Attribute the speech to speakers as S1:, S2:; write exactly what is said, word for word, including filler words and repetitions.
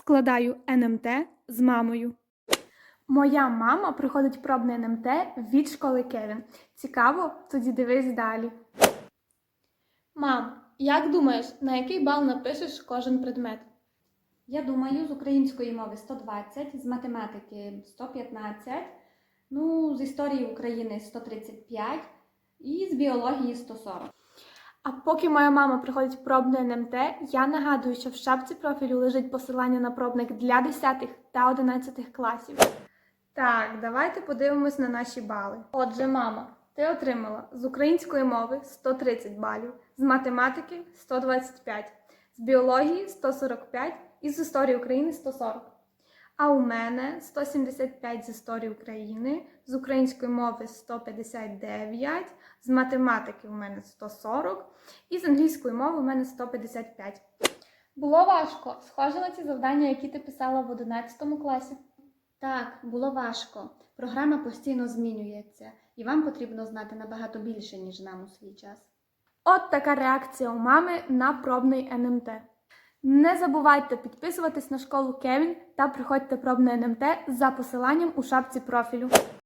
S1: Складаю ен ем те з мамою. Моя мама проходить пробне ен ем те від школи Кевін. Цікаво? Тоді дивись далі. Мам, як думаєш, на який бал напишеш кожен предмет?
S2: Я думаю, з української мови сто двадцять, з математики сто п'ятнадцять, ну, з історії України сто тридцять п'ять і з біології сто сорок.
S1: А поки моя мама проходить пробне ен ем те, я нагадую, що в шапці профілю лежить посилання на пробник для десятих та одинадцятих класів. Так, давайте подивимось на наші бали. Отже, мама, ти отримала з української мови сто тридцять балів, з математики сто двадцять п'ять, з біології сто сорок п'ять і з історії України сто сорок. А у мене сто сімдесят п'ять з історії України, з української мови сто п'ятдесят дев'ять, з математики у мене сто сорок і з англійської мови у мене сто п'ятдесят п'ять. Було важко, схоже на ці завдання, які ти писала в одинадцятому класі.
S2: Так, було важко. Програма постійно змінюється, і вам потрібно знати набагато більше, ніж нам у свій час.
S1: От така реакція у мами на пробний ен ем те. Не забувайте підписуватись на школу Кевін та приходьте пробне ен ем те за посиланням у шапці профілю.